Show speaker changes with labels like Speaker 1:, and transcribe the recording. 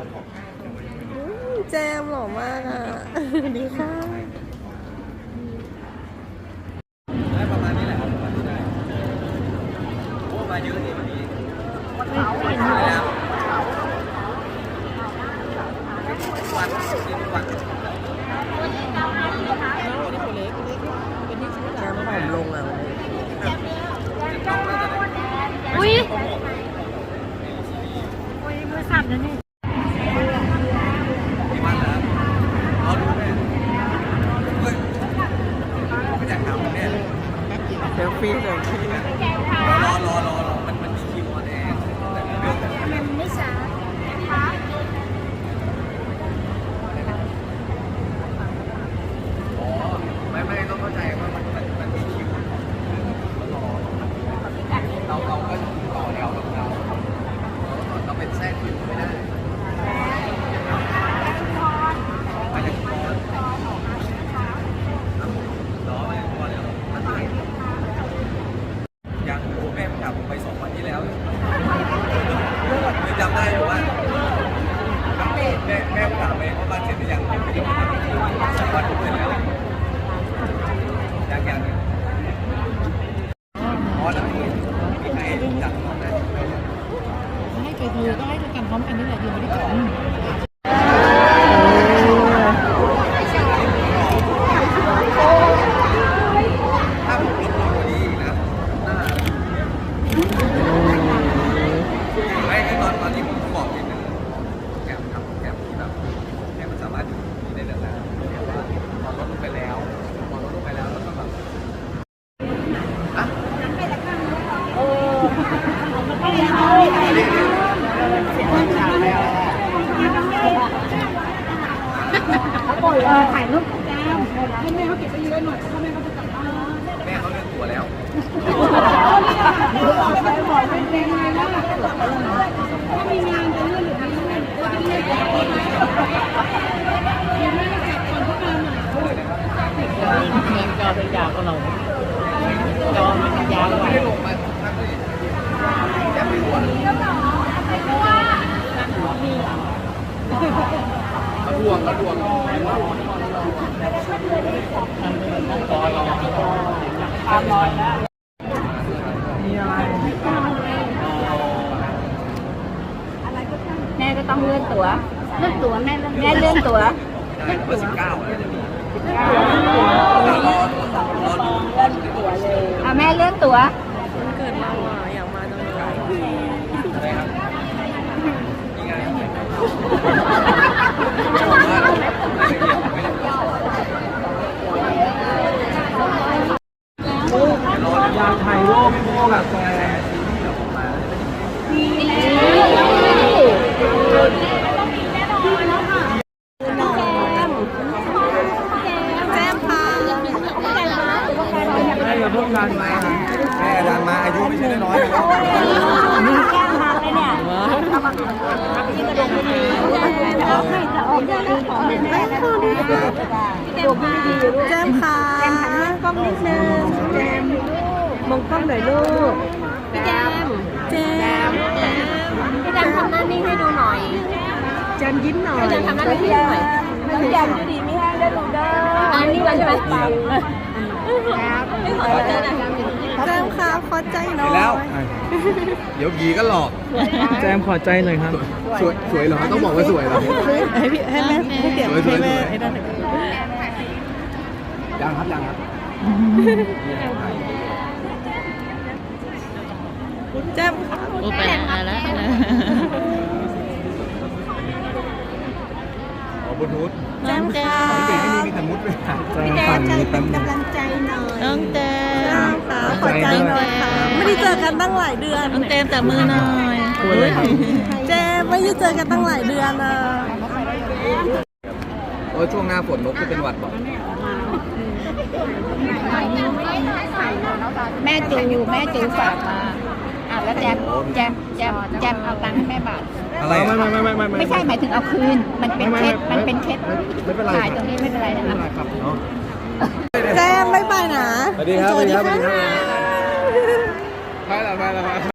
Speaker 1: แจมหล่อมากอ่ะดีค่ะ
Speaker 2: ได้ประมาณนี้แหละประมาณนี้ได้โอ้มาเยอะดิวันนี้แล้ววันวัน
Speaker 1: แจมผอมลงอ่ะ
Speaker 3: อุ้ยมือสั่นนะนี่
Speaker 2: กี่วันแล้วเอาดูแม่เฮ้ยไม่อยากถามเนี่ย
Speaker 1: เซลฟี่
Speaker 2: รอมันมีคิวออนแอร์แต่เรื่อง
Speaker 3: มันไม่ช้า
Speaker 2: อ๋อไม่ต้องเข้าใจว่ามันมีคิวรอเราก็ต่อแถวกับเราเป็นแทรกคิวไม่ได้ไปถึงรอไม่พอแล้วยังโอ้แม่ผมถามผมไป2 วันที่แล้วจำได้อยู่ว่าแม่ผมถามไปว่าบ้านเสร็จหรือยัง2 วันผมเสร็จแล้วยังอ๋อแล้วมีใครจัดน้องได้
Speaker 4: ให้ไปดูก็ให้ดูกันพร้อมกันนี่แหละอยู่ไม่ได้ก่อน
Speaker 2: ถ้าผมลดลงกว่านี้อีกนะไม่ตอนที่ผมบอกนิดนึงแกมทำแกมที่แบบแกมมันสามารถอยู่ได้นานๆแต่ว่าพอลดลงไปแล้วแล้วก็แบบ
Speaker 3: ถ่ายรูปแก้วให้แม่เขาเก็บไปเยอะหน่อยเพราะแม่เขาจะกลับบ้าน
Speaker 2: แม่เขาเลือกตัวแล้ว
Speaker 3: บอกเป็นเพลงอะไรนะถ้ามีงานจะเลื่อนหรือไม่เลื่อนก็จะเลื่อนก่อนยังไม่ได้กลับก่อนพวกเราหน่อย
Speaker 4: เงินจอเป็นยาวก็เราจอมันยาวกว่า
Speaker 2: ไม่ได้ลงมาทักเลยแกไม่รู้อ่ะเขาดวง
Speaker 3: แม่ก็ต้องเลื่อนตั๋วแม่เลื่อนตั๋ว
Speaker 2: ได้เบอร์19แล้วจะมี
Speaker 3: แม่เลื่อนตั๋ว
Speaker 1: วันเกิดเราอ่ะอยากมาจังเลย
Speaker 2: อะไรครับมีงานอยากถ่ายรูปพวกแบบซีรีส์แบบออกมา
Speaker 1: แจมค่ะ
Speaker 2: แม่อย่าเพิ่งดันมาแม่ดันมาอายุไม่ใช่น้อยๆนะครับ
Speaker 3: แก้มทางเลยเนี่ยที่กระดงไม่ดีไม่จะออกจะดีของแม่แม่นะแก้มพา
Speaker 1: แจมค่ะ
Speaker 3: แก้มหันหน้ากล้องนิดนึงแก้มมองกล้องหน่อยลูกพี่แก้ม
Speaker 1: แจม
Speaker 3: พี่แก้มทำหน้านิ่งให้ดูหน่อยแก้มยิ้มหน่อยพี่แก้มทำหน้านิ่งให้ดูหน่อยพี่แก้มดูดีไม่ให้ได้ดูเด้ออันนี้วันใช่ไหมไม่ขอเจอหน่อย
Speaker 1: แจมค่ะขอใจหน่อย
Speaker 2: แล้วเดี๋ยวผีก็หลอกแจมขอใจหน่อยครับสวยเหรอต้องบอกว่าสวยเหรอ
Speaker 1: ให้แม่ให้เดี๋ยวให้แม่ไอ้นั่น
Speaker 2: ยังครับ
Speaker 1: แจมค่ะ
Speaker 4: โอ้ไปแล้ว
Speaker 2: บลูทูธ
Speaker 1: แจมค่ะ
Speaker 2: เก่งที่มีแต่มุดไปหา
Speaker 1: พี่แจมเป็นกำลังใจหน่อย
Speaker 4: น้องเต้
Speaker 1: แจมค่ะขอใจหน่อยค่ะไม่ได้เจอกันตั้งหลายเดือน
Speaker 4: น้องเต้แต่มือหน่อย
Speaker 1: แจมไม่ได้เจอกันตั้งหลายเดือนอ่ะ
Speaker 2: ช่วงหน้าฝนนกจะเป็นหวัดบอก
Speaker 3: แม่จูฝากมาแล้วแจมเอาตังค์ให้แม่บาท
Speaker 2: อะไร
Speaker 3: ไม่ใช่หมายถึงเอาคืนมันเป็นเคส
Speaker 2: ไม่เป็นไร
Speaker 3: ถ่ายตรงนี้ไม่เป็นไรนะคะ
Speaker 2: ครับเนาะ
Speaker 1: แจมบ๊ายบายนะ
Speaker 2: สวัสดีครับ
Speaker 1: สวัสดีค่ะ
Speaker 2: ไปแล้ว